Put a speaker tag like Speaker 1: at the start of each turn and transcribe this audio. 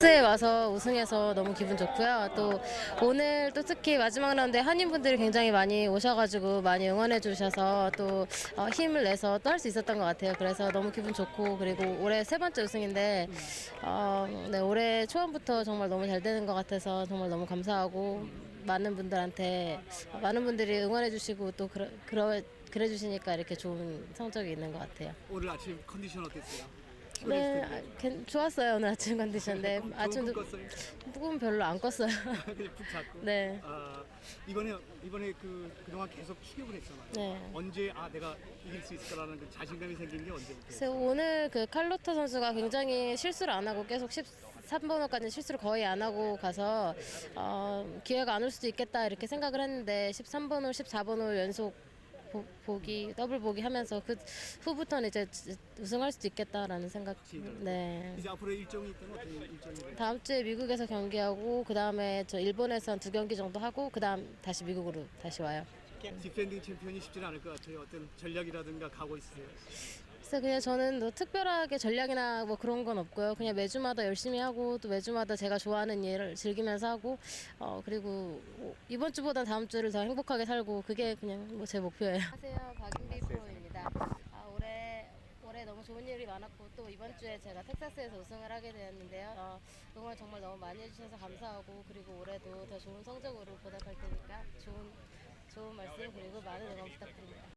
Speaker 1: 에 와서 우승해서 너무 기분 좋고요. 또 오늘 또 특히 마지막 라운드에 한인분들이 굉장히 많이 오셔가지고 많이 응원해 주셔서 또 힘을 내서 또 할 수 있었던 것 같아요. 그래서 너무 기분 좋고, 그리고 올해 세 번째 우승인데 네, 올해 초반부터 정말 너무 잘 되는 것 같아서 정말 너무 감사하고, 많은 분들이 응원해 주시고 또 그래 주시니까 이렇게 좋은 성적이 있는 것 같아요.
Speaker 2: 오늘 아침 컨디션 어땠어요?
Speaker 1: 네,
Speaker 2: 피곤했을 텐데.
Speaker 1: 좋았어요. 오늘 아침 컨디션인데
Speaker 2: 좋은
Speaker 1: 아침도
Speaker 2: 꿈 꿨어요?
Speaker 1: 꿈은 별로 안 꿨어요.
Speaker 2: 그냥 푹 잤고.
Speaker 1: 네.
Speaker 2: 이번에 그동안 계속 추격을 했잖아요.
Speaker 1: 네.
Speaker 2: 언제 내가 이길 수 있을 거라는 그 자신감이 생긴 게 언제부터?
Speaker 1: 그래서 오늘 그 칼로타 선수가 굉장히 실수를 안 하고 계속 13번호까지 실수를 거의 안 하고 가서 기회가 안 올 수도 있겠다 이렇게 생각을 했는데 13번홀, 14번홀 연속 보기, 더블 보기 하면서 그 후부터는 이제 우승할 수도 있겠다라는 생각. 네.
Speaker 2: 이제 앞으로 일정이 있다면 어떤 일정이?
Speaker 1: 다음 주에 미국에서 경기하고, 그 다음에 저 일본에서 한 2경기 정도 하고, 그 다음 다시 미국으로 다시 와요.
Speaker 2: 디펜딩 챔피언이 쉽지는 않을 것 같아요. 어떤 전략이라든가 각오 있으세요?
Speaker 1: 그래서 그냥 저는 뭐 특별하게 전략이나 뭐 그런 건 없고요. 그냥 매주마다 열심히 하고, 또 매주마다 제가 좋아하는 일을 즐기면서 하고, 그리고 이번 주보다 다음 주를 더 행복하게 살고, 그게 그냥 뭐 제 목표예요. 안녕하세요, 박윤비 프로입니다. 올해 너무 좋은 일이 많았고, 또 이번 주에 제가 텍사스에서 우승을 하게 되었는데요. 응원 정말 너무 많이 해주셔서 감사하고, 그리고 올해도 더 좋은 성적으로 보답할 테니까 좋은 말씀, 그리고 많은 응원 부탁드립니다.